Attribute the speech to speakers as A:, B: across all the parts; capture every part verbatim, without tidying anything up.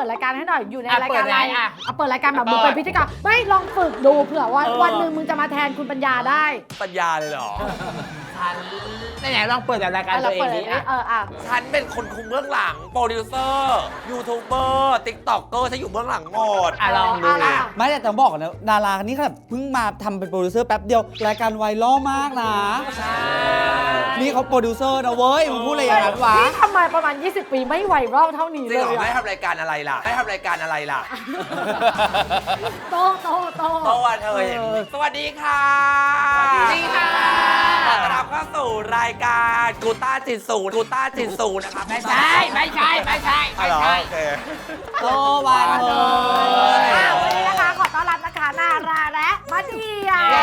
A: ปิดรายการให้หน่อยอยู่ใน
B: อ่ะ
A: รายการอะไร
B: เปิดไงอ่ะ
A: เอาเปิดรายการแบบมึงเป็นพิธีกรไม่ลองฝึกดูเผื่อว่า
C: เออ
A: วันหนึ่งมึงจะมาแทนคุณปัญญาได้
D: ปัญญาเลยเหรอ
B: ฉันไหนๆลองเปิดรายการ
A: อ่ะ
B: ตั
A: เรา
B: วเอง
A: เปิด
B: ดิ
A: เลย
B: อ่ะ
A: เอออ่ะ
D: ฉันเป็นคนคุมเบื้องหลังโปรดิวเซอร์ยูทูบเบอร์ติ๊กต็อกเกอร์ฉันอยู่เบื้องหลังหมด
B: อ่ะลองดู
A: อ่ะ
C: ไม่แต่ต้องบอกก่อนนะดาราคนนี้ขนาดเพิ่งมาทำเป็นโปรดิวเซอร์แป๊บเดียว รายการไวรัลมากนะ นี่เขาโปรดิวเซอร์นะเว้ยมึงพูดอะไรอย่างนั้นวะ
A: นี่ทำไมประมาณ ยี่สิบ ปีไม่ไวรัลเท่านี้
D: จ
A: เล
D: ริงเหรอย ไม่
A: อะ
D: ทำรายการอะไรล่ะไม่ทำรายการอะไรล่ะ
A: โตโตโต
D: เพราะว่าเธอเห็นสวัสดีค่ะ
B: สวัสดีค่ะ
D: ขอต้อนรับเข้าสู่รายการกูต้าจิตศูนย์กูต้าจิตศูนย์นะครับ
B: ไม่ใช่ไม่ใช่ไม่ใช่
D: อ๋อ
B: ไม่
D: เหรอ
B: ใช่
D: โอเค
C: โตวันเธอ
A: อ่ะวันนี้นะคะขอต้อนรับนะคะนาราและมาเดีย
B: เย้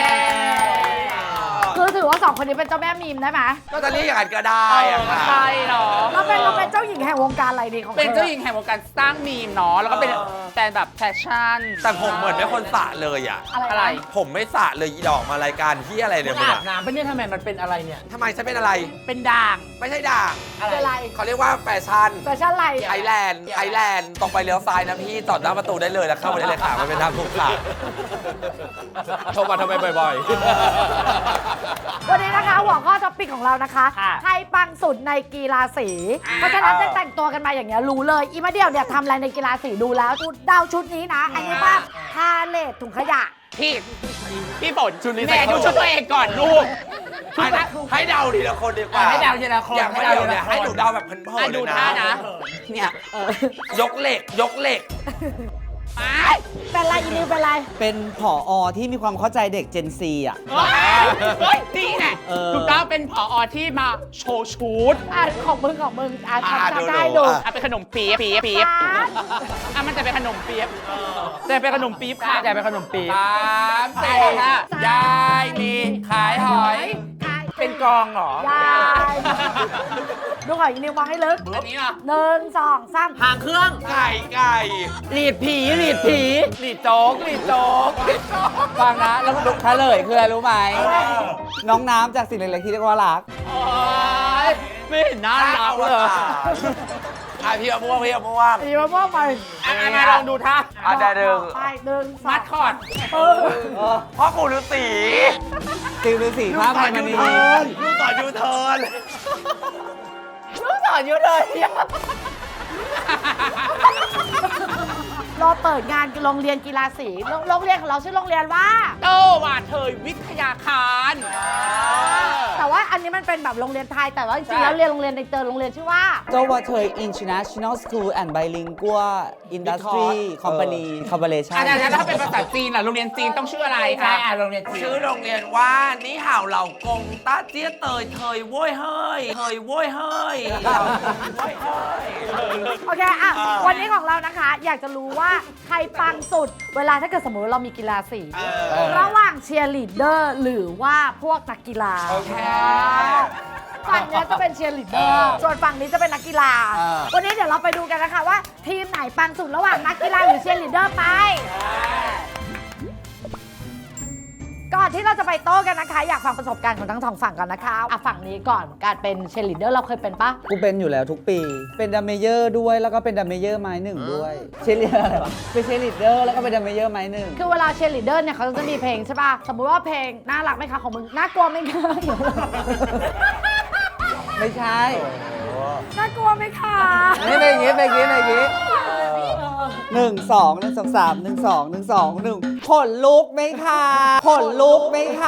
A: คือถือว่าสองคนนี้เป็นเจ้าแม่มีมได้ไหม
D: ก็จะเรียกอย่างนั้นก็ได้อะค่ะ
B: ใช่เหรอ
A: เราเป็นเราเป็นเจ้าหญิงแห่งวงการอะไรดีของธอ
B: เป็นเจ้าหญิงแห่งวงการสร้างมีมเนาะแล้วก็เป็นแต่แบบแฟชั่น
D: แต่ผมเหมือนไม่คนสระเลยอ่ะ
A: อะไร
B: อะไร
A: นะ
D: ผมไม่สระเลยอีดอกมารายการที่อะไรเนี่ยมึง
B: อาบ
D: อะ
B: น้ำเป็นเนี่ยทำไมมันเป็นอะไรเนี่ย
D: ทำไมฉันเป็นอะไร
B: เป็นด่าง
D: ไม่ใช่ด่าง
A: เป็นอะไร
D: เขาเรียกว่าแฟชั่น
A: แฟชั่นอะไร
D: ไอแลนด์ไอแลนด์ตรงไปเลี้ยวซ้ายนะพี่จอดหน้าประตูได้เลยแล้วเข้ามาได้เลยค่ะมันเป็นทางถูกค่ะโทรมาทำไมบ่อย
A: วันนี้นะคะหัวข้อท็อปิกของเรานะคะ
B: ค่ะ
A: ใครปังสุดในกีฬาสี เพราะฉะนั้นจะแต่งตัวกันมาอย่างเงี้ยรู้เลย อีมาเดียวเนี่ยทำอะไรในกีฬาสีดูแล้วชุดเดาชุดนี้นะ อันนี้ป่ะพาเลทถุงขยะ
B: พี่พี่ฝน
D: ชุดนี้
B: แม่ดูชุดตัวเองก่อนลูก
D: ๆให้ให้เดาทีละคนดีกว่า
B: ให้เดาทีละคน
D: อย่าง
B: ให้
D: ไม่
B: เดา
D: เดาเนี่ย
B: ทีละคน
D: ให้หนูเดาแบบเพลิน
B: อ่ะ
D: ๆเล
B: ดู
D: ยนะ
B: ท่านะ เนี่ยเออย
D: กเหล็กยกเหล็ก
B: ไป
A: เป็นไรอีนิวเป็นไร
C: เป็นผออที่มีความเข้าใจเด็ก Gen Z อ่ะ
B: เฮ้ยเฮ้ยนี่แหละ
C: เออ
B: ถูกต้องเป็นผอที่มาโชว์ชุด
A: อ่ะของมึงของมึงอ่ะ
D: อ่ะ
A: ทำ
D: ดู
A: ทำได้
D: ดู
A: ดู
D: อ่ะ
B: อ่ะเป็นขนมปี๊บปี๊บปี๊บ
A: ป๊าด
B: อ่ะมันจะเป็นขนมปี๊บจะเป็นขนมปี๊บค่ะจะเป็นขนมปี๊บสามสี่ห้ายายมีขายหอย เป็นกองเหรอย
A: ายดูหอยอีนิวมองให้ลึก
B: อันนี้เหรอ
A: หนึ่งสองสาม
B: หางเครื่อง
D: ไก่ไก่
B: หลีดผีหลีดผีหลีดโจ๊กหลีดโจ๊ก
C: ฟังนะ แล้วเฉลยคืออะไรรู้ไหม น้องน้ำจากสิ่งเล็กๆที่เรียกว่ารัก
B: โอ๊ยไม่เห็นน่ารักเลย
D: อ่ะพี่เอาม่วงพี่เอาม่วง
A: อีมาม่วงไป
B: อ่ะอ่ะมาลองดูท่า
D: อ่ะได้หนึ่ง
A: ไปหนึ่งสอง
B: มัดคอร์ด
A: เออ
D: พ่อปู่ฤาษี
C: ติวฤาษีผ้าพันมณี
D: ลูกต่อยูเทิร์น
A: ลูกสอนอยู่เลยรอเปิดงานโรงเรียนกีฬาสีโรงโรงเรียนของเราชื่อโรงเรียนว่า
B: โตว่าเธยวิทยาคาร
A: แต่ว่าอันนี้มันเป็นแบบโรงเรียนไทยแต่ว่าจริงๆแล้วเรียนโรงเรียนในเตอร์โรงเรียนชื่อว่า
C: เจ้าว่าเธอ International School and Bilingual Industry Company Corporation
B: อาจารย์ถ้าเป็นภาษาจีนล่ะโรงเรียนจีนต้องชื่ออะไรคะอ่ะโรงเรียนจีน
D: ชื่อโรงเรียนว่านี่ห่าวเหล่ากงต้าเจี้ยเตยเทยโว้ยเฮ้ยเทยโว้ยเฮ้ยโว้ยเฮ้ย
A: โอเคอ่ะวันนี้ของเรานะคะ อยากจะรู้ว่าใครปังสุด เวลาถ้าเกิดสมมติเรามีกีฬาสี ระหว่างเชียร์ลีดเดอร์หรือว่าพวกนักกีฬา
D: โอเค
A: ฝั่งนี้จะเป็นเชียร์ลีดเดอร์ส่วนฝั่งนี้จะเป็นนักกีฬา
C: เออ
A: วันนี้เดี๋ยวเราไปดูกันนะคะว่า ทีมไหนปังสุดระหว่างนักกีฬาหรือเชียร์ลีดเดอร์ไป ก่อนที่เราจะไปโต้กันนะคะ อยากฟังประสบการณ์ของทั้งสองฝั่งก่อนนะคะอ่ะฝั่งนี้ก่อนการเป็นเชียร์ลีดเดอร์เราเคยเป็นปะ
C: กูเป็นอยู่แล้วทุกปี เป็นดัมเมเยอร์ด้วย แล้วก็เป็นดัมเมเยอร์ไม้หนึ่งด้วย เชยร์ลีดเดอร์อะไรวะ เป็นเชยร์ลีดเดอร์แล้วก็เป็นดัมเมเยอร์ไม้หนึ่ง
A: คือเวลาเชียร์ลีดเดอร์เนี่ยเขาจะมีเพลงใช่ป่ะ สมมุติว่าเพลงน่ารักไหมคะของมึง น่ากลัวไหมคะ
C: ไม่ใช่
A: น่ากลัวไหมคะ
C: ไม่เป็นอย่างงี้เป็นอย่างงี้เป็นอย่างงี้หนึ่งสองหนึ่งสองสามหนึ่งสองหนึ่งสองหนึ่งขนลุกไหมคะขนลุกไหมคะ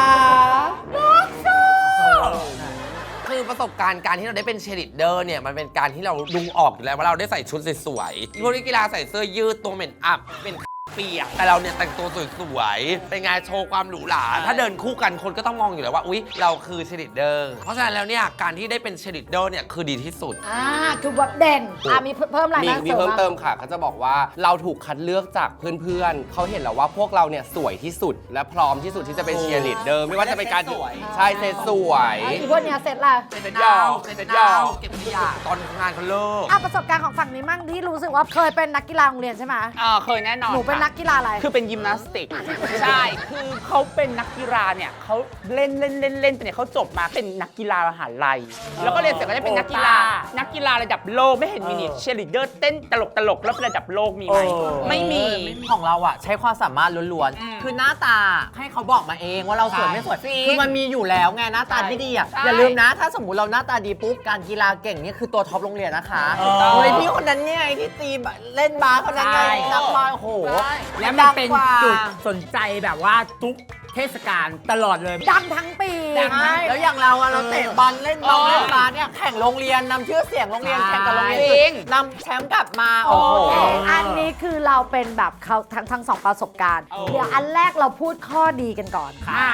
D: คือประสบการณ์การที่เราได้เป็นเชียร์ลีดเดอร์เนี่ยมันเป็นการที่เราดูออกอยู่แล้วว่าเราได้ใส่ชุดสวยๆพวกนักกีฬาใส่เสื้อยืดตัวเหม็นอับเป็นเปียกแต่เราเนี่ยแต่งตัวสวยๆเป็นงานโชว์ความหรูหราถ้าเดินคู่กันคนก็ต้องมองอยู่แล้วว่าอุ๊ยเราคือเชียร์ลีดเดอร์เพราะฉะนั้นแล้วเนี่ยการที่ได้เป็นเชียร์ลีดเดอร์เนี่ยคือดีที่สุด
A: อ่าคือแบบเด่น อ่ามีเพิ่มอะไร
E: มี
A: นะ
E: มีเพิ่มเติมค่ะเขาจะบอกว่าเราถูกคัดเลือกจากเพื่อนๆ เขาเห็นแล้วว่าพวกเราเนี่ยสวยที่สุด และพร้อมที่สุดที่จะเป็นเชียร์ลีดเดอร์ไม่ว่าจะเป็นการใช่เซตสวย
A: อ่ะอีพวกเนี้ยเสร็จละ
D: เป็นยาวเป็นยาวเก็บขยะตอนงานเขาเลิก
A: อ่ะประสบการณ์ของฝั่งนี้มั่งที่รู้สึกว่าเคยเป็นนักกีฬาโรงเรียนใช่ไหม
B: เออเคยแน่นอน
A: หนูเป็นนักกีฬาอะไร
B: คือเป็นยิมนาสติก ใช่ คือเขาเป็นนักกีฬาเนี่ยเขาเล่นเล่นเล่นเล่นแต่เนี่ยเขาจบมาเป็นนักกีฬามหาลัย แล้วก็เรียนเสร็จก็ได้เป็นนักกีฬา นักกีฬาระดับโลกไม่เห็นมีนี่เชียร์ลีดเดอร์เต้นตลกตลกแล้วเป็นระดับโลกมีไหม ไม่มี
F: ของเราอะใช้ความสามารถล้วนๆ คือหน้าตาให้เขาบอกมาเองว่าเราสวยไม่สวย คือมันมีอยู่แล้วไงหน้าตาที่ดีอะ
B: ใช่
F: อย่าลืมนะ ถ้าสมมติเราหน้าตาดีปุ๊บการกีฬาเก่งนี่คือตัวท็อปโรงเรียนนะคะเฮ้ยพี่คนนั้นเนี่ยไงที่ตีบเล่นบาสคนนั้นไงนักบอลโอ้โห
G: แล้วมันเป็น
F: ดังกว่า
G: จุดสนใจแบบว่าทุกเทศกาลตลอดเลย
A: ดังทั้งปี
F: ใช่แล้วอย่างเราอะเราเตะบอลเล่นบอลเล่นบาสเนี่ยแข่งโรงเรียนนำชื่อเสียงโรงเรียนแข่งกับโรงเรียน
B: จริง
F: นำแชมป์กลับมาโอ้โห
A: อันนี้คือเราเป็นแบบเขาทั้งทั้งสองประสบการณ์ เดี๋ยวอันแรกเราพูดข้อดีกันก่อนค่ะ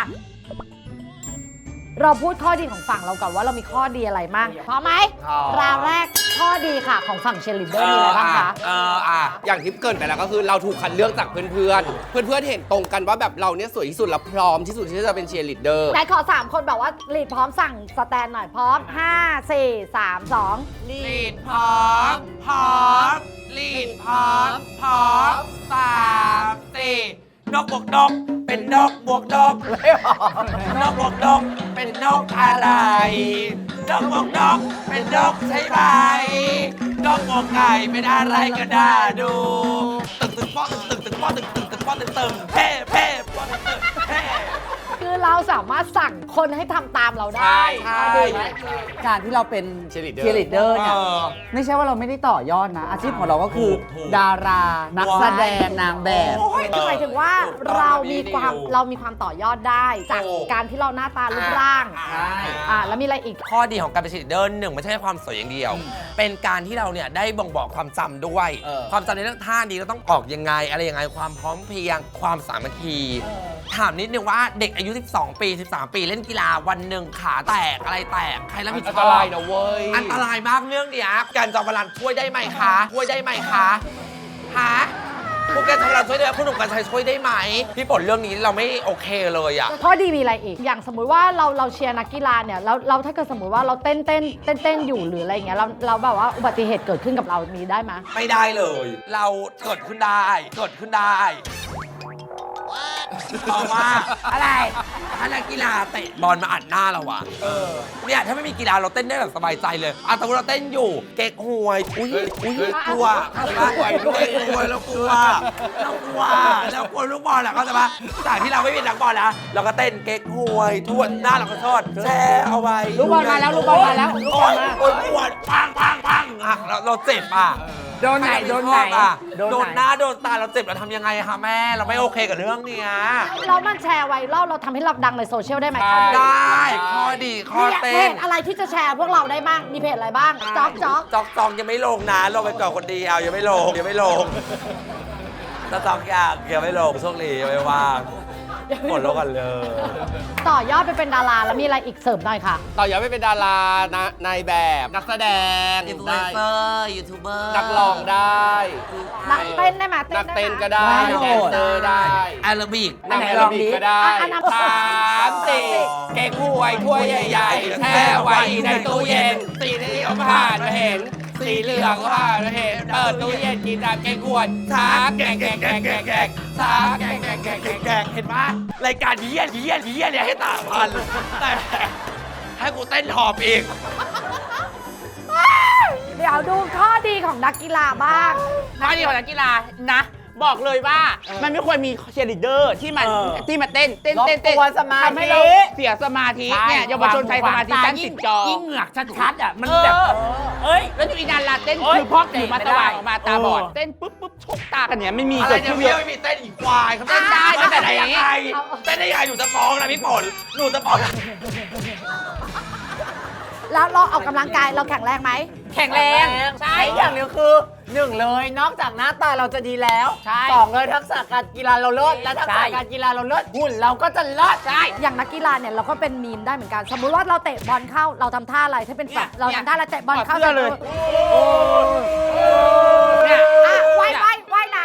A: เราพูดข้อดีของฝั่งเราก่อนว่าเรามีข้อดีอะไรบ้างพร้อมไหม
E: พร้อม
A: ราวแรกข้อดีค่ะของฝั่งเชยร์ลีดเดอร์มีอะไรบ้างคะ
E: เอออ่ะอย่างที่เกรินไปแล้วก็คือเราถูกคัดเลือกจากเพื่อนๆ เพื่อนๆ เห็นตรงกันว่าแบบเราเนี่ยสวยที่สุดและพร้อมที่สุดที่จะเป็นเชียร์ลีดเดอร์
A: ไหนขอ สาม คนแบบว่าลีดพร้อมสั่งสแตนหน่อยพร้อม ห้า สี่ สาม สอง
D: ลีดพร้อม พร้อม ลีดพร้อม พร้อมสามสี่นกบวกนก เป็นนกบวกนกนกบวกนก เป็นนกอะไร นกบวกนก เป็นนกใช่ไหมนกบวกไก่เป็นอะไรก็ได้ดู ตึกตึกป้อตึกตึกตึกป้อตึกตึกตึกป้อตึกตึกเพ่เพ่ป้อตึกตึกเพ่
A: คือเราสามารถสั่งคนให้ทำตามเราได้
D: ใช่
A: ดีไหม
C: การที่เราเป็น
E: Cheerleader
C: เชียร์ลีดเดอร์เนี่ย
D: เออ
C: ไม่ใช่ว่าเราไม่ได้ต่อยอดนะ อาชีพของเราก็คือ
D: ถูกถูก
C: ดารา นักแสดงนางแบบ
A: คือหมายถึงว่าเรามีความเรามีความต่อยอดได้ จากการที่เราหน้าตารูปร่างอ่าแล้วมีอะไรอีก
D: ข้อดีของการเป็นเชียร์ลีดเดอร์หนึ่งไม่ใช่แค่ความสวยอย่างเดียว เป็นการที่เราเนี่ยได้บ่งบอกความจำด้วย
E: เออ
D: ความจำในเรื่องท่านี้เราต้องออกยังไง อะไรยังไงความพร้อมเพรียงความสามัคคี ถามนิดนึงว่าเด็กอายุ สิบสอง ปี สิบสาม ปีเล่นกีฬาวันหนึ่งขาแตกอะไรแตกใครรับผิดช
E: อั
D: อน บ
E: ตรายนะเว้ย
D: อันตรายมากเรื่องเนี้ยการจอมพลันช่วยได้ไหมคะช่วยได้ไหมคะหาพวกแกจอมพลันช่วยได้ไหมคุณหนุ่มกัญชัยช่วยได้ไหมพี่ฝนเรื่องนี้เราไม่โอเคเลยอะ
A: ข้อดีมีอะไรอีก อย่างสมมุติว่าเราเราเชียร์นักกีฬาเนี่ยเราเราถ้าเกิดสมมุติว่าเราเต้นเต้นเต้นเต้นอยู่หรืออะไรอย่างเงี้ยเราเราแบบว่าอุบัติเหตุเกิดขึ้นกับเรามีได้ไหม
D: ไม่ได้เลย เราเกิดขึ้นได้ เกิดขึ้นได้เพราะว่าอะไรถ้านักกีฬาเตะบอลมาอัดหน้าเราอะเนี่ยถ้าไม่มีกีฬาเราเต้นได้แบบสบายใจเลยอ่ะแต่ว่าเราเต้นอยู่ เก๊กหวย อุ้ยอุ้ยกลัวเข้าใจปะเก๊กหวยเรากลัวเรากลัวเรากลัวลูกบอลแหละเข้าใจปะจากที่เราไม่เป็นนักบอลนะเราก็เต้นเก๊กหวยทวนหน้าเราก็ทอดแช่เอาไว้
G: ลูกบอลมาแล้วลูกบอลมาแล้วลูกบอลมา
D: โอ้ยปวดปังปังปังอ่ะเราเราเจ็บอ่ะ
G: โดนไหนโดนไหน
D: อ่ะ
G: โด
D: โด
G: น
D: น
G: ไหน
D: หน้าโดนตาเราเจ็บเราทำยังไงคะแม่เราไม่โอเคกับเรื่องเนี้ย
A: เรามันแชร์ไวรัลเราทำให้เราดังในโซเชียลได้ไหม
D: ได้ข้อดีข้อ
A: มีเพ
D: เต้น
A: จอะไรที่จะแชร์พวกเราได้บ้าง มีเพจอะไรบ้างจ๊อกจ๊อก
D: จอกจองยังไม่ลงนะลงไปก่อนคนเดียวยังไม่ลงยังไม่ลงถ้าจอกอยากยังไม่ลงโชคดียังไม่ว่างหมดแล้วกันเลย
A: ต่อยอดไปเป็นดาราแล้วมีอะไรอีกเสริมหน่อยค่ะ
E: ต่อยอดไปเป็นดารานะนายแบบ นักแสดง
D: อินฟลู
E: ได้
D: เอนเซอร์ยูทูบเบอร์
E: นักร้องได้
A: นักเต้นได้ไหม
E: นักเต้นก็
A: ได้
E: ได้
A: ไหม
E: แดนเซอร์ได้
D: แอโรบิก
E: นักแอโรบิกก็ได้
A: อ่ะอันนั้น
E: สามสี่เก๊กหวยถ้วยใหญ่ๆแช่ไว้ในตู้เย็น สีนี้ก็ผ่านมาเห็น สีเหลืองก็ผ่านมาเห็น เปิดตู้เย็นกินน้ำเก๊กหวยช้าแกงแกงแกงแกงแกงช้าแกงแกงแกงแกงแกง
D: เห็นปะรายการเยี่ยเยี่ยเยี่ยเนี่ยให้ตาพันแต่ให้กูเต้นหอบอีก
A: เดี๋ยวดูข้อดีของนักกีฬาบ้าง
B: ข้อดีของนักกีฬานะ บอกเลยว่ามันไม่ควรมีเชียร์ลีดเดอร์ที่มันที่มาเต้นเต้นเต้นเต้น
F: รบกวนสมาธิ
B: ทำให้เราเสียสมาธิเนี่ยเยาวชนไทยสมาธิสั้นติดจอ
G: ยิ่งเหงือกชัดๆอ่ะ มัน
B: เอ
G: แบบ
B: อ
G: เอ้ย
B: แล้วดูอีนานลาเต้น
G: โอ๊ย
B: คือพอกถือมา
G: ไม่
B: ส
G: ได้
B: ว่างออกมาตาบอด
G: เออ
B: เต้นปุ๊บปุ๊บชกตากันเนี่ยไม่มี
D: อะไร
B: เกิด
D: เนี่ย
B: ขึ้นเลย
D: พี่ไม่มีเต้นอีกควายเขา
B: เต้นได้เต้นได้
D: ได้ยังไง
A: เอา
D: เต้นได้ยังไงหนูจะฟ้องนะพี่ฝนหนูจะฟ้อง
A: แล้วเราออกกำลังกายเราแข็งแรงไหม
B: แข็งแรง
F: ใช่อย่างหนึงคือหนึ่งเลยนอกจากหน้าตาเราจะดีแล้ว
B: ใช่
F: สองเลยทักษะการกีฬาเราเลิศและทักษะ
B: ใช่
F: การกีฬาเราเลิศหุ่นเราก็จะเลิศ
B: ใช่
A: อย่างนักกีฬาเนี่ยเราก็เป็นมีมได้เหมือนกัน สมมุติว่าเราเตะบอลเข้าเราทำท่าอะไรถ้าเป็นแบบเราทำท่าอะไรเตะบอลเข้า
B: ถอดเสื้อเลย
A: เนี่ยอ่ะว่ายว่ายว่ายน้ำเราข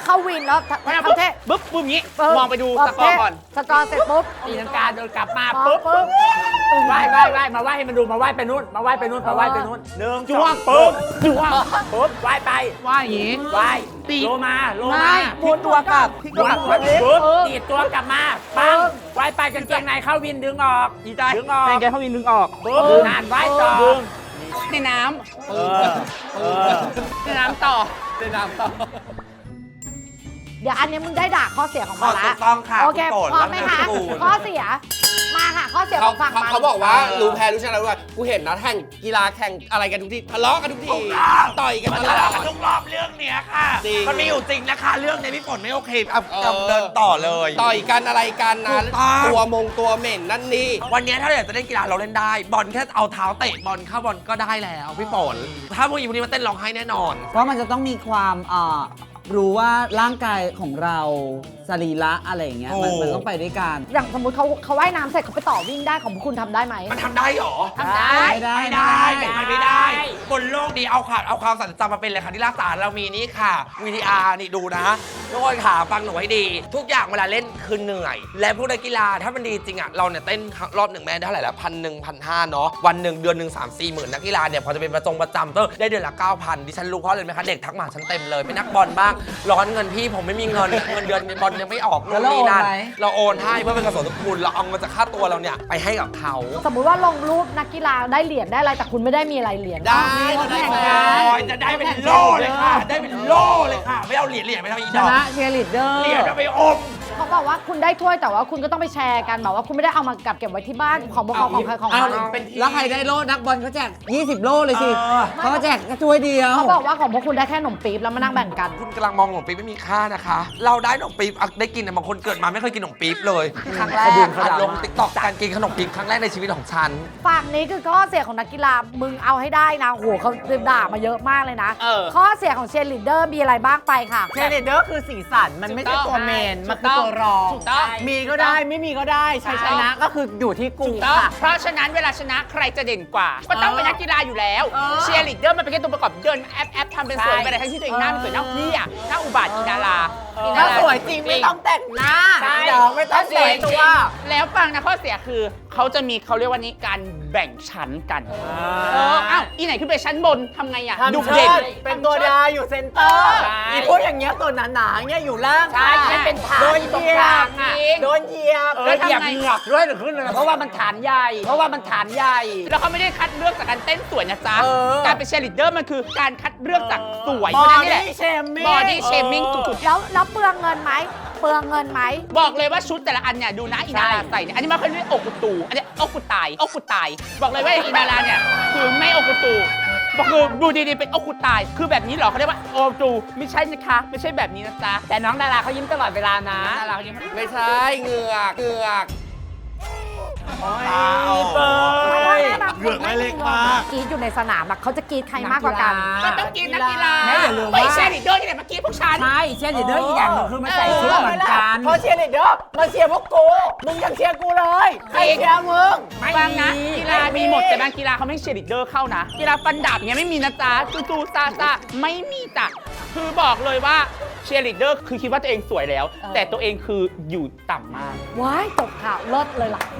A: เข้าวินแล้ว
B: เพราะฉะนั้น
A: ทำเท่
B: ปุ๊บปุ๊บอย่างนี้
A: ปึ๊บ
B: มองไปดูสกอร์ก่อน
A: สกอร์เสร็จปุ๊บ
G: ตีลังกาเดินกลับมา
A: ปุ๊
G: ปุ๊
A: บบ ปุ๊บ
G: ไหว้ไหว้ไหว้มาไหว้ให้มันดูมาไหว้ไปนู่นมาไหว้ไปนู่นมาไหว้ไปนู่นหนึ่ง
B: จ้วง
G: สอปุ๊บ
B: จ้วง
G: ปุ๊บไหว้ไป
B: ว่าอย่างนี้
G: ไหว้
B: ตี
G: โลมาโล
A: ไม่
G: มา
A: หมุนตัวกลับ
G: หมุนหัวปุ๊บตีดตัวกลับมาปังไหว้ไปกางเกงในเข้าวินดึงออก
B: ดีใจ
G: ดึงออก
B: เป็นไงเขาวินดึงออก
G: ปุ๊บนานไหว้ต่อ
B: ในน้
G: เออเออ
B: ำในน้ำต่อ
D: ในน้ำต่อ
A: เดี๋ยวอันนี้มึงได้ด่าข้อเสียของมันละ
D: ถูกต้องค่ะ
A: โอเค
D: คุณโปรด
A: พร้อมไหมคะ
D: รักนามสกุล
A: ข้อเสีย มาค่ะ ข้อเสียข
E: เขา
A: องฝั่ง
E: เขา
A: มัน
E: เขาบอกว่ารู้แพ้รู้ชนะรู้ว่ากูเห็นนะแข่งกีฬาแข่งอะไรกันทุกทีทะเลาะกันทุกทีต่อยกัน
D: มัน
E: ต
D: ทะ
E: ลอ
D: เลาะ
E: ด
D: กันทุกรอบเรื่องเนี้ยค่ะ
E: จริง
D: มันมีอยู่จริงนะคะ เรื่องในพี่ฝนไม่โอเคเอา
E: เออ
D: เอาเดินต่อเลย
E: ต่อยกันอะไรกันนะ
D: ถูกต้อง
E: ตัวมงตัวเหม็นนั่นนี่
D: วันนี้ถ้าเราอยากจะเล่นกีฬาเราเล่นได้ บอลแค่เอาเท้าเตะบอลเข้าบอลก็ได้แล้วพี่ฝนถ้าพวกอีพวกนี้มาเต้นร้องไห้แน่นอน
C: เพราะมันจะต้องมีความอ่ารู้ว่าร่างกายของเราสรีระอะไรอย่างเงี้ยมัน
D: โอ้
C: มันต้องไปด้วยกัน
A: อย่างสมมติเขาเขาว่ายน้ำเสร็จเขาไปต่อวิ่งได้ของพวกคุณทำได้ไหม
D: มันทำได้เหรอ
A: ทำได้
C: ไม่ได้
D: ไม่ได้มันไม่ได้บนโลกนี้เอาความเอาความสันติจำมาเป็นเลยค่ะที่รักษาเรามีนี่ค่ะ วี ที อาร์ นี่ดูนะทุกคนค่ะฟังหนูให้ดี ทุกอย่างเวลาเล่นคือเหนื่อย และพวกนักกีฬาถ้ามันดีจริงอ่ะเราเนี่ยเต้นรอบหนึ่งแม่ได้เท่าไหร่แล้วพันหนึ่งพันห้าเนาะวันหนึ่งเดือนหนึ่งสามสี่หมื่นนักกีฬาเนี่ยพอจะเป็นประจงประจำก็ได้เดือนละเก้าพันดิฉันรู้เพราะอะไรไหมคะเด็กทักมาฉันเต็มเลยเป็นนักบอลบ้างร้อนเงินพี่ผมไม่มีเงินเงินเดือนบอลยังไม่ออกนู่นนี่นั่นเราโอนให้เพื่อเป็นกระสนทุนเราเอาเงินจากค่าตัวเราเนี่ยไปให้กับเขา
A: สมมุติว่าลงรูปนักกีฬาได้เหรียญได้อะไรแต่คุณไม่ได้มีอะไรเหรียญ
E: ได้
A: เขา
E: ได้
A: แข่ง
E: ได้
A: กัน
D: โอ้ยจะได้เป็นโล่เลยค่ะ ได้เป็นโล่เลยค่ะ ไม่เอาเหรียญเหรียญไม่ทำอีก
C: ช
D: ดอก
C: นะเชียร์ลีดเดอร์
D: เหรียญเอาไปอม
A: เขาบอกว่าคุณได้ถ้วยแต่ว่าคุณก็ต้องไปแชร์กันแบบว่าคุณไม่ได้เอามากับเก็บไว้ที่บ้านของพวกเขาของใครของ
C: เอา
A: มัน
C: แล้วใครได้โล่นักบอลเขาแจกยี่สิบโล่เลยสิเขาก็แจกกระช่วยเดียว
A: เขาบอกว่าของพวกคุณได้แค่ขนมปี๊บแล้วมานั่งแบ่งกัน
D: คุณกำลังมองขนมปี๊บไม่มีค่านะคะ เราได้ขนมปี๊บอ่ะได้กินแต่บางคนเกิดมาไม่เคยกินขนมปี๊บเลยครั้งแรกอัดลงติ๊กต็อกการกินขนมปี๊บครั้งแรกในชีวิตของฉัน
A: ฝั่งนี้คือข้อเสียของนักกีฬามึงเอาให้ได้นะโหเขาด่ามาเยอะมากเลยนะ
B: เออ
A: ข้อเสียของเชียร์ลีดเดอร์มีอะไรบ้างไปค่ะ
F: เชยร์ลีดเดอร์คือสีสัน มันไม่ใช่ตัวเมน มันคือตัวรอง
B: ถูกต้อง
F: มีก็ได้ไม่มีก็ได้ชัยชนะก็คืออยู่ที่กู
B: ถูกต้อง
F: ค่ะ
B: เพราะฉะนั้นเวลาชนะใครจะเด่นกว่า ก็ต้องเป็นนักกีฬาอยู่แล้ว
F: เออ
B: เชียร์ลีดเดอร์มันเป็นแค่ตัวประกอบเดินแอปแอปทำเป็นสวยไปเลยทั้งที่ตัวเองหน้าเป็นสวยหน้าพี่อ่ะหน้าอุบาทอีดาราอีด
F: ถ้าสวยจริงไม่ต้องแต่งหน้า
B: ใช่
F: เดี๋ยวไม่ต้องสวยตัว
B: แล้วฟังนะข้อเสียคือเขาจะมีเขาเรียกว่านี้การแบ่งชั้นกันเอออ้าวอีไหนขึ้นไปชั้นบนทำไงอ่ะ
F: ทำ
B: ดุ
F: เชิ
B: เด่น
F: ดเป็นตัวดาอยู่เซนเตอร์
B: ใช่
F: อีพูดอย่างเงี้ยตัวหนาๆเงี้ยอยู่ล่าง
B: ใช่ไม่เป็นฐาน
F: โดน
B: ตรง
F: เหยี
B: ก
F: ย
B: ลา
F: บ
B: งอ่ะ
F: โดนเหยียบ
G: เออเหยียบเหงือกด้วยหรือขึ้นเลยเพราะว่ามันฐานใหญ่ เพราะว่ามันฐานใหญ่
B: แล้วเขาไม่ได้คัดเลือกจากการเต้นสวยนะจ๊ะ
F: เออ
B: การเป็นเชียร์ลีดเดอร์มันคือการคัดเลือกจากสวย
F: บ
B: เพ
F: อ
B: ราะฉะนั้นนี่แหละ
F: ดี้เชมมิ่ง
B: บอดี้เชมิ่งสุด
A: แล้วแล้วเปลืองเงินไหมเปลืองเงินไหม
B: ๆบอกเลยว่าชุดแต่ละอันเนี่ยดูนะอีนาราใส่เนี่ยอันนี้มันเขาเรียกอกกุตูอันนี้อกกุตายอกกุตาย บอกเลยว่าอีนาราเนี่ยคือไม่อกกุตูบอกคือดูดีๆเป็นอกกุตาย คือแบบนี้เหรอเขาเรียกว่าโอตูไม่ใช่นะคะไม่ใช่แบบนี้นะจ๊ะ
G: แต่น้องดาราเขายิ้มตลอดเวลานะ
B: นาราเขายัง
E: ไม่ใช่เหงือกเหงือก
G: เปิด
A: เหลือไม่เล็กมากกรีดอยู่ในสนามอะเขาจะกรีดใครมากกว่ากัน
B: ก็ต้องกินนักกีฬา
G: แม่อย่าลืมว่า
B: ไม่ใช่ลีดเดอร์ที่ไหนเมื่อกี้พวกฉัน
G: ใช่เชียร์ลีดเดอร์อีกอย่างหนึงคือมันใส่ชุดเหมือนกัน
F: เพราะเชียร์ลีดเดอร์มาเชียร์พวกกู มึงยังเชียร์กูเลยใครเชียร์มึง
B: บางนะกีฬามีหมดแต่บางกีฬาเขาไม่เชียร์ลีดเดอร์เข้านะกีฬาฟันดาบอย่างเงี้ยไม่มีนะจ๊ะจูจูซาซาไม่มีจ้ะคือบอกเลยว่าเชียร์ลีดเดอร์คือคิดว่าตัวเองสวยแล้ว แต่ตัวเองคืออยู่ต่ำมาก
A: ว้ายตกข่าวเลิศเลยล่ะ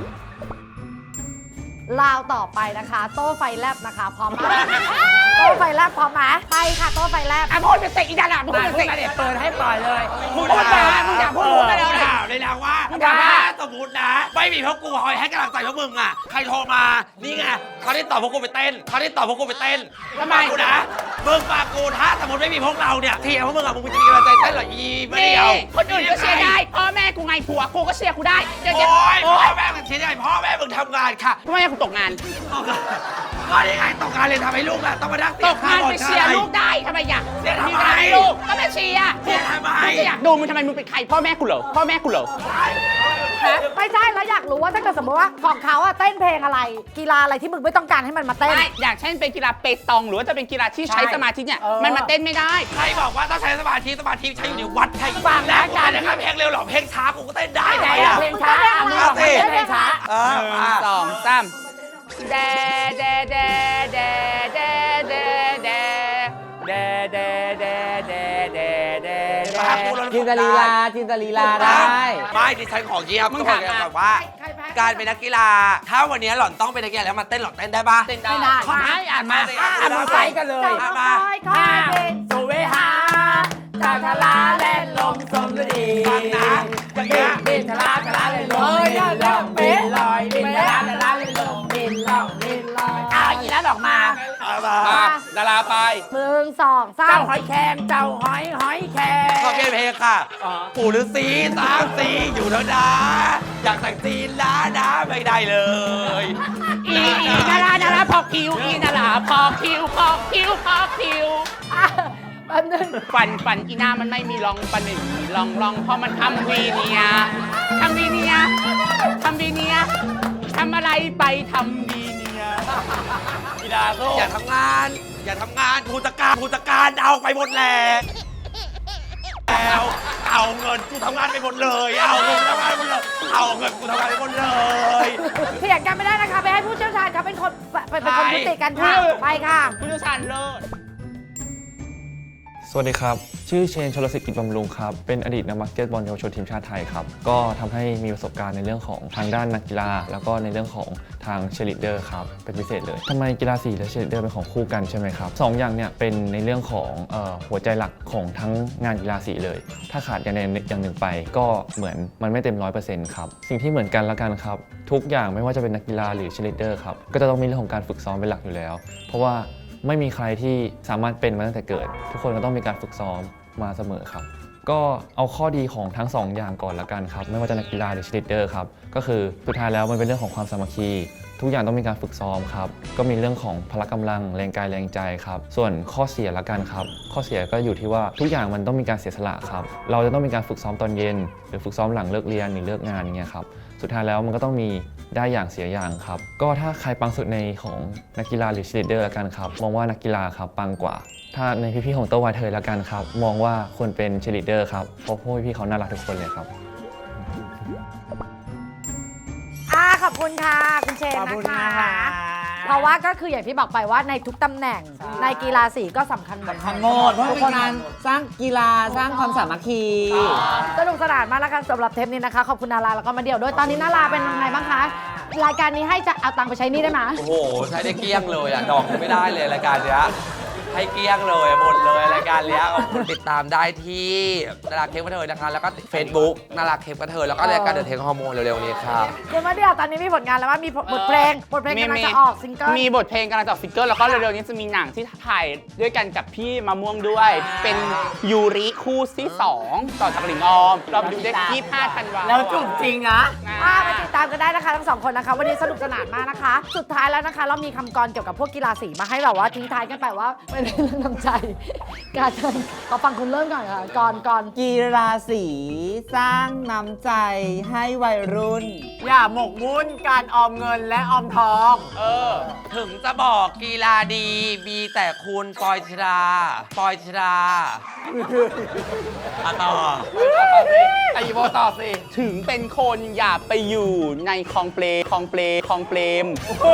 A: ลาวต่อไปนะคะ โต้ไฟแลบนะคะพร้อมไหมโต้ไฟแลบพร้อมไหมไปค่ะโต้ไฟแลบ
B: อ่ะพูดเป็นเตะอีดาราพูด
G: มา
B: เป็น
G: พูด
B: เตะ
G: มาเด็ดเปิดให้ปล่อยเลย
B: พูดมามึงอย่าพูดพูดมาแล้วนะ
D: ถามเลยนะว่า
B: ด่า
D: ถ้าสมมตินะ ไม่มีพวกกูคอยให้กำลังใจพวกมึงอ่ะ ใครโทรมา นี่ไงเขาได้ตอบพวกกูไปเต้นเขาได้ตอบพวกกูไปเต้น
B: ทำไม
D: ฟังกูนะมึงฟังกูถ้าสมมติไม่มีพวกเราเนี่ยเทียร์พวกมึงอ่ะมึงจะมีกำลังใจเต้นเหรออีไม่
B: นี่
D: เดียว
B: คนอื่นก็เชียร์ได้พ่อแม่กูไงผัวกูก็เชียร์กูได้เดี๋ยว
D: โอ้
B: เดี๋ยวย
D: พ่อแม่มึงเชียร์ได้พ่อแม่มึงทำงานค่ะ
B: ทำไมกูตกงาน
D: ก็ยังไงตกงานเลยทำให้ลูกอ่ะต้องมานั่ง
B: ตกงานไปเชียร์ลูกได้ทำไมอยาก
D: เชียร์ทำ
B: มี
D: ไม
B: งานให้ลูกก็ไม่เชียร์
D: เชียร์ทำไม
B: กูจะอยากดูมึงทำไมมึงเป็นใครพ่อแม่กูเหรอพ่อแม่กูเหรอ
A: ไม่ใช่แล้วอยากรู้ว่าถ้าเกิดสมมติว่าของเขาอะเต้นเพลงอะไร กีฬาอะไรที่มึงไม่ต้องการให้มันมาเต้น
B: ไม่อย่างเช่นเป็นกีฬาเปตองหรือว่าจะเป็นกีฬาที่ใช้สมาธิเนี่ย
F: เออ
B: มันมาเต้นไม่ได้
D: ใครบอกว่าต้องใช้สมาธิสมาธิใช้อยู่ในวัดใคร
B: ฟังนะ
D: แล้วการนะครับเพลงเร็วหรอเพลงช้ากูก็เต้นได้ไหม
B: ไหน
D: อ่ะ
B: อะเพลงช้า
A: มึง
D: เอาสิ
A: เพลงช้า
D: เออมา
B: สองสามแดแดแดแดแดแดแดแดแดแดแดแดแดแด
D: ตาปูเรา
F: จินตลีลาจินตลีลาได้
D: ไม่ดิฉันของเยี่ยมต้องบอกแบบว่า
A: ใครแพ้
D: การเป็นนักกีฬา ถ้าวันนี้หล่อนต้องเป็นนักกีฬาแล้วมาเต้นหล่อนเต้นได้ปะ
B: เต้นได้
A: ไม่ได้
G: ขอให้อ่านมาอ่านมาไปกันเลย
A: เจ้าน้องน้อยขอให้เพลง
G: สุเวหาทาทาลาเล่นลมสมฤดี
D: ฟังนะอย่างเงี้ย
G: บินทาลาทาลาเล่นลมบินลมบินลอยบินทาลาทาลาเล่นลมบินลมบินลอยเอาอีนั้นออกมา
D: เอามา
E: มาดาราไป
A: หนึ่งสองสา
G: เจ้าม หอยแครงเจ้าหอยหอยแครง
D: ขอเพลงเพลงค่ะ ปู่ฤาษีสามสีอยู่แล้วนะ อยากแต่งจีนล้านะไม่ได้เลย
B: อีอีนารานาราพอกคิวอีนาราพอกคิวพอกคิวพอกคิว
A: อ่ะแป๊บนึง
B: ฟันฟันอีหน้ามันไม่มีรองฟันไม่มีรองรองเพราะมันทำวีเนียทำวีเนียทำวีเนียทำอะไรไปทำวีเนีย
E: กีฬาโซ่
D: อย่าทำงาน อย่าทำงานผู้จัดการผู้จัดการเอาไปหมดแล้วแล้วเอาเงินกูทำงานไปหมดเลย เอาเงินกูทำงานไปหมดเลย เอาเงินกูทำงานไปหมดเลย
A: เถียงกันไม่ได้นะคะ ไปให้ผู้เชี่ยวชาญเขาเป็นคนเป็นเป็นคนยุติกันค่ะ ไปค่ะ
B: ผู้เชี่ยวชาญเลิศ
H: สวัสดีครับ ชื่อเชนชลสิทธิ์กิจบำรุงครับ เป็นอดีตนักบาสเกตบอลเยาวชนทีมชาติไทยครับ ก็ทำให้มีประสบการณ์ในเรื่องของทางด้านนักกีฬา แล้วก็ในเรื่องของทางเชลิเดอร์ครับ เป็นพิเศษเลยทำไมกีฬาสีและเชลิเดอร์เป็นของคู่กันใช่ไหมครับสองอย่างเนี่ยเป็นในเรื่องของเอ่อหัวใจหลักของทั้งงานกีฬาสีเลย ถ้าขาดอย่างใดอย่างหนึ่งไป ก็เหมือนมันไม่เต็มร้อยเปอร์เซ็นต์ครับ สิ่งที่เหมือนกันละกันครับ ทุกอย่างไม่ว่าจะเป็นนักกีฬาหรือเชลิเดอร์ครับ ก็จะต้องมีเรื่องของการฝึกซ้อมเป็นหลักอยู่แล้ว เพราะว่าไม่มีใครที่สามารถเป็นมาตั้งแต่เกิด ทุกคนก็ต้องมีการฝึกซ้อมมาเสมอครับ ก็เอาข้อดีของทั้งสองอย่างก่อนละกันครับ ไม่ว่าจะนักกีฬาหรือเชียร์ลีดเดอร์ครับ ก็คือสุดท้ายแล้วมันเป็นเรื่องของความสามัคคี ทุกอย่างต้องมีการฝึกซ้อมครับ ก็มีเรื่องของพละกำลังแรงกายแรงใจครับ ส่วนข้อเสียละกันครับ ข้อเสียก็อยู่ที่ว่าทุกอย่างมันต้องมีการเสียสละครับ เราจะต้องมีการฝึกซ้อมตอนเย็น หรือฝึกซ้อมหลังเลิกเรียนหรือเลิกงานอย่างเงี้ยครับ สุดท้ายแล้วมันก็ต้องมีได้อย่างเสียอย่างครับ ก็ถ้าใครปังสุดในของนักกีฬาหรือเชียร์ลีดเดอร์ละกันครับ มองว่านักกีฬาครับปังกว่า ถ้าในพี่ๆของโตวาเธอละกันครับ มองว่าควรเป็นเชียร์ลีดเดอร์ครับ เพราะพวกพี่ๆเขาน่ารักทุกคนเลยครับ
A: อ่าขอบคุณค่ะ คุณเชน
G: ขอบคุณ
A: นะ
G: นะคะ คะ
A: เพราะว่าก็คืออย่างที่บอกไปว่าในทุกตำแหน่งในกีฬาสีก็สำคัญหมด
F: ทั้งหมดเพราะเป็นการสร้างกีฬาสร้างความสามัคคี
A: สนุกสนานมากแล้วกันสำหรับเทปนี้นะคะ ขอบคุณนาราแล้วก็มาเดี่ยวด้วยตอนนี้นาราเป็นยังไงบ้างคะ รายการนี้ให้จะเอาตังค์ไปใช้หนี่ได้ไหม
D: โอ้โห ใช้ได้เกลี้ยงเลยอ่ะ ดอกไม่ได้เลยรายการเนี้ยให้เกลี้ยงเลยหมดเลยรายการเนี้ยติดตามได้ที่นาราเค้กกระเทยนะคะ แล้วก็ Facebook นาราเค้กกระเทยแล้วก็รายการเดอะเทคฮอร์โมนเร็วๆนี้ครับ
A: คุณมาเดี่ยวตอนนี้มีผลงานแล้วว่ามีบทเพลงบทเพลงกำลังจะออกซิงเกิล
B: มีบทเพลงกำลังจะออกซิงเกิลแล้วก็เร็วๆนี้จะมีหนังที่ถ่ายด้วยกันกับพี่มะม่วงด้วย เป็นยูริคู่ที่สองต่อจากหลิงออม เราไปดูได้ยี่สิบห้าธันวาคม
F: แล้วจุบจริงนะ
A: อ่าไปติดตามกันได้นะคะทั้งสองคนนะคะ วันนี้สนุกสนานมากนะคะ สุดท้ายแล้วนะคะ เรามีคำกรเกี่ยวกับพวกกีฬาสีมาให้แบบว่าทิ้งท้ายกันไปว่าเป็นเรื่องน้ำใจ การเชิญขอฟังคุณเริ่มก่อนค่ะก่อนก่อน
F: กีฬาสีสร้างน้ำใจให้วัยรุ่น อย่าหมกมุ่นการออมเงินและออมทอง
B: เออ
D: ถึงจะบอกกีฬาดีมีแต่คุณปอยชดาปอยชดาอะต่อ
E: ไอโบต่อสิ
B: ถึงเป็นคนอย่าไปอยู่ในคลองเปลคลองเปลคลองเปรม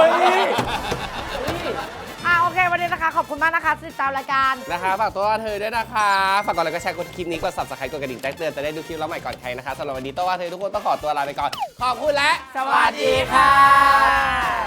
A: อ่าโอเค วันนี้นะคะ ขอบคุณมากนะคะที่ติดตามรายการ
E: นะคะฝากตัวเธอด้วยนะคะ ฝากกดไลค์กดแชร์กดคลิปนี้กด ซับสไครบ์ กดกระดิ่งแจ้งเตือนจะได้ดูคลิปแล้วใหม่ก่อนใครนะคะสำหรับวันนี้ตัวว่าเธอทุกคนต้องขอตัวลาไปก่อน ขอบคุณและ
F: สวัสดีค่ะ